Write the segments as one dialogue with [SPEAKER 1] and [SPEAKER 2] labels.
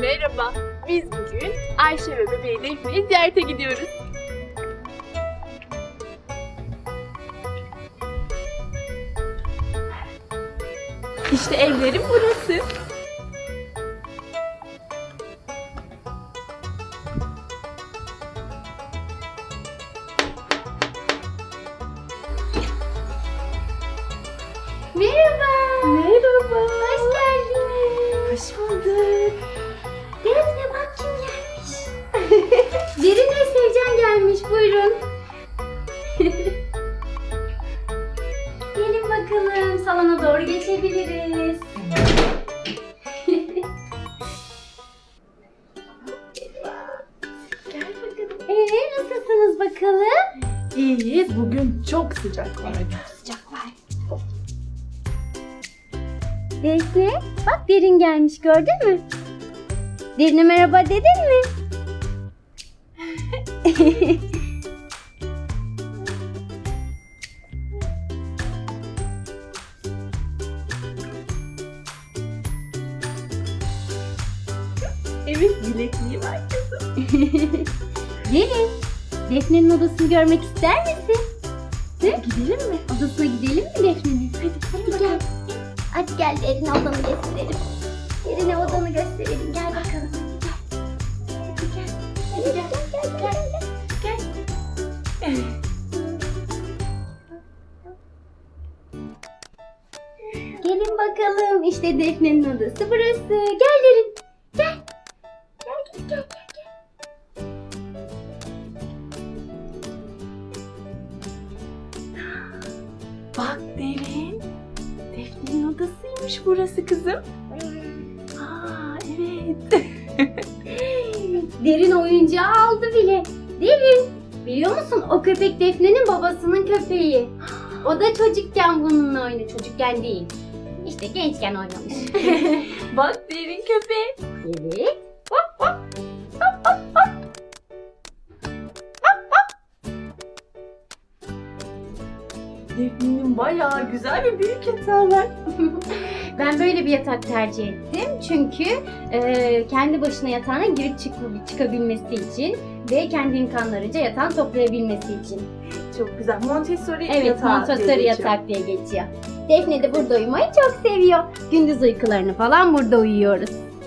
[SPEAKER 1] Merhaba, biz bugün Ayşe ve bebeği Defne'yi ziyarete gidiyoruz. İşte evlerim burası.
[SPEAKER 2] Merhaba.
[SPEAKER 1] Merhaba.
[SPEAKER 2] Hoş geldiniz.
[SPEAKER 1] Hoş bulduk.
[SPEAKER 2] Defne bak kim gelmiş. Derin ve Sevcan gelmiş. Buyurun. Gelin bakalım. Salona doğru geçebiliriz.
[SPEAKER 1] Gel bakalım.
[SPEAKER 2] Nasılsınız bakalım?
[SPEAKER 1] İyiyiz. Bugün çok sıcak var.
[SPEAKER 2] Sıcak var. Defne, bak Derin gelmiş, gördün mü? Derin'e merhaba dedin mi?
[SPEAKER 1] Evet, bilekliği var kızım.
[SPEAKER 2] Derin, Defne'nin odasını görmek ister misin?
[SPEAKER 1] Gidelim mi?
[SPEAKER 2] Odasına gidelim mi Defne'nin? Hadi gel. Hadi gel Derin'e odanı gösterelim. Derin'e odanı gösterelim. Gel bakalım. Hadi gel. Hadi gel. Gel. Gelin bakalım. İşte Defne'nin odası burası. Gel Derin. Gel. Gel.
[SPEAKER 1] Bak Derin. Defne'nin odasıymış burası kızım. Aa evet.
[SPEAKER 2] Derin oyuncağı aldı bile. Derin, biliyor musun o köpek Defne'nin babasının köpeği. O da çocukken bununla oynadı. Çocukken değil. İşte gençken oynamış.
[SPEAKER 1] Bak Derin köpeği.
[SPEAKER 2] Evet.
[SPEAKER 1] Defne'nin bayağı güzel ve büyük yatağı var.
[SPEAKER 2] Ben böyle bir yatak tercih ettim. Çünkü kendi başına yatağına girip çıkabilmesi için ve kendi imkanlarınca yatağını toplayabilmesi için.
[SPEAKER 1] Çok güzel. Montessori
[SPEAKER 2] Evet,
[SPEAKER 1] yatağı
[SPEAKER 2] Montessori
[SPEAKER 1] diye geçiyor.
[SPEAKER 2] yatak diye geçiyor. Defne de burada uyumayı çok seviyor. Gündüz uykularını falan burada uyuyoruz.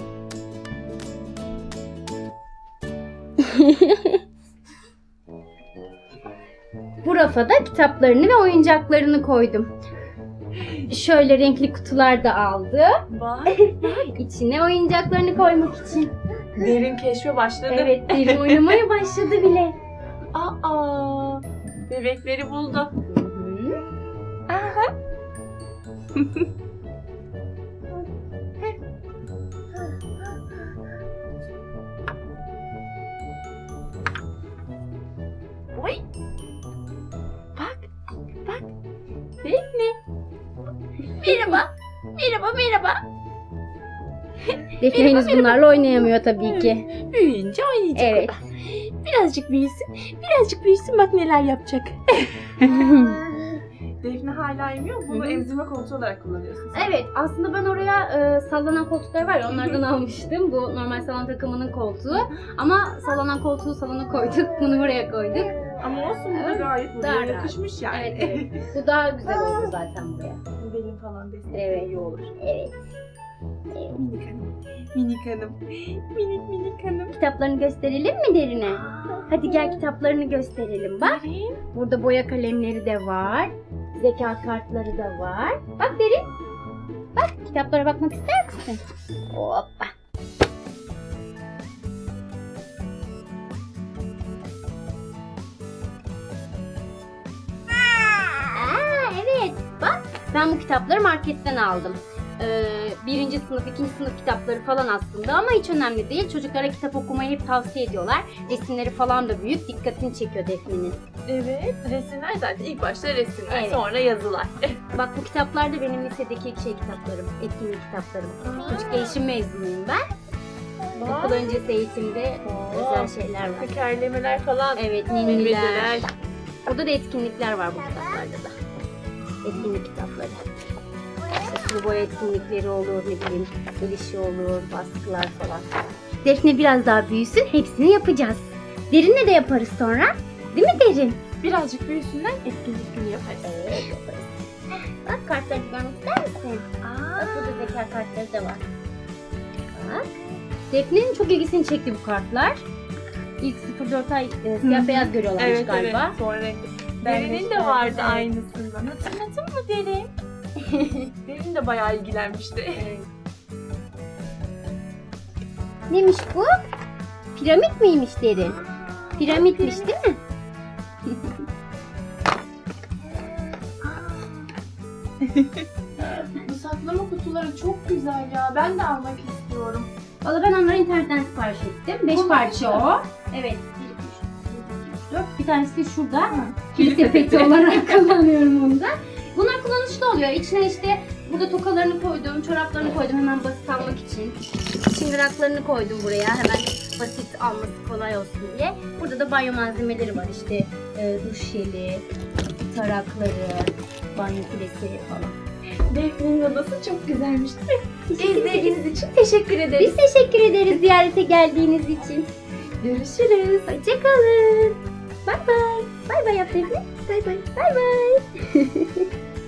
[SPEAKER 2] Bu rafa da kitaplarını ve oyuncaklarını koydum. Şöyle renkli kutular da aldı.
[SPEAKER 1] Bak.
[SPEAKER 2] İçine oyuncaklarını koymak için.
[SPEAKER 1] Derin keşfe başladı.
[SPEAKER 2] Evet, Derin oynamaya başladı bile.
[SPEAKER 1] Aa, bebekleri buldu.
[SPEAKER 2] Hı-hı.
[SPEAKER 1] Aha. Oy. Bak, bak. Defne. Merhaba. Merhaba.
[SPEAKER 2] Defne henüz bunlarla oynayamıyor tabii ki.
[SPEAKER 1] Büyüyünce oynayacak
[SPEAKER 2] Evet.
[SPEAKER 1] o da. Birazcık büyüsün bak neler yapacak. Defne hala emiyor. Bunu
[SPEAKER 2] Hı hı.
[SPEAKER 1] emzirme komutu olarak kullanıyorsun.
[SPEAKER 2] Evet, aslında ben oraya sallanan koltuklar var ya, onlardan almıştım. Bu normal salon takımının koltuğu. Ama sallanan koltuğu salona koyduk, bunu buraya koyduk.
[SPEAKER 1] Ama olsun bu da
[SPEAKER 2] Evet,
[SPEAKER 1] gayet
[SPEAKER 2] daha
[SPEAKER 1] buraya
[SPEAKER 2] rahat.
[SPEAKER 1] yakışmış yani.
[SPEAKER 2] Evet. Bu daha güzel oldu zaten buraya.
[SPEAKER 1] Benim falan destek
[SPEAKER 2] Evet.
[SPEAKER 1] iyi olur.
[SPEAKER 2] Evet.
[SPEAKER 1] Minik hanım. Minik hanım. Minik hanım.
[SPEAKER 2] Kitaplarını gösterelim mi Derin'e? Hadi gel kitaplarını gösterelim bak.
[SPEAKER 1] Derin.
[SPEAKER 2] Burada boya kalemleri de var. Zeka kartları da var. Bak Derin. Bak, kitaplara bakmak ister misin? Hoppa. Evet. Bak, ben bu kitapları marketten aldım. Birinci sınıf, ikinci sınıf kitapları falan aslında ama hiç önemli değil. Çocuklara kitap okumayı hep tavsiye ediyorlar. Resimleri falan da büyük, dikkatini çekiyor Defne'nin.
[SPEAKER 1] Evet. Resimler zaten ilk başta resimler
[SPEAKER 2] Evet.
[SPEAKER 1] sonra yazılar.
[SPEAKER 2] Bak, bu kitaplar da benim lisedeki ilk kitaplarım, etkinlik kitaplarım. Çocuk gelişim mezunuyum ben. Okul öncesi eğitimde özel şeyler var.
[SPEAKER 1] Tekerlemeler falan.
[SPEAKER 2] Evet,
[SPEAKER 1] Bilmeceler.
[SPEAKER 2] ninniler. Burada da etkinlikler var bu kitaplarda da. Etkinlik kitapları. İşte sulu boya etkinlikleri olur, ne bileyim el işi olur, baskılar falan. Defne biraz daha büyüsün, hepsini yapacağız. Derinle de yaparız sonra. Değil mi Derin?
[SPEAKER 1] Birazcık büyüsünden etkinlik günü yaparız.
[SPEAKER 2] Evet yaparız. Bak kartları görmek ister misin? Bak burada zeka kartları da var. Bak. Defne'nin çok ilgisini çekti bu kartlar. İlk 0-4 ay siyah beyaz görüyorlarmış
[SPEAKER 1] Evet
[SPEAKER 2] galiba.
[SPEAKER 1] evet. Sonra renkli.
[SPEAKER 2] Ben
[SPEAKER 1] Derin'in
[SPEAKER 2] de
[SPEAKER 1] de vardı
[SPEAKER 2] evet.
[SPEAKER 1] aynısından. Hatırladın mı Derin? Derin de bayağı ilgilenmişti.
[SPEAKER 2] Neymiş bu? Piramit miymiş Derin? Piramitmiş değil mi?
[SPEAKER 1] Bu saklama kutuları çok güzel ya. Ben de almak istiyorum.
[SPEAKER 2] Valla ben onları internetten sipariş ettim. 5
[SPEAKER 1] Bunlar
[SPEAKER 2] parça
[SPEAKER 1] mı?
[SPEAKER 2] o. Evet. 1, 2, 3, 4. Bir tanesi de şurada.
[SPEAKER 1] Kilit
[SPEAKER 2] Kilit sepeti olarak kullanıyorum onu da. Bunlar kullanışlı oluyor. İçine işte burada tokalarını koydum, çoraplarını koydum hemen basit almak için. Çıngıraklarını koydum buraya hemen basit alması kolay olsun diye. Burada da banyo malzemeleri var işte duş jeli, tarakları, banyo filesi falan.
[SPEAKER 1] Defne'nin odası çok güzelmiş değil mi?
[SPEAKER 2] İzlediğiniz
[SPEAKER 1] için teşekkür ederiz.
[SPEAKER 2] Biz teşekkür ederiz ziyarete geldiğiniz için.
[SPEAKER 1] Görüşürüz.
[SPEAKER 2] Hoşçakalın. Bay bay. Bay bay yap Defne. Bay bay. Bay bay.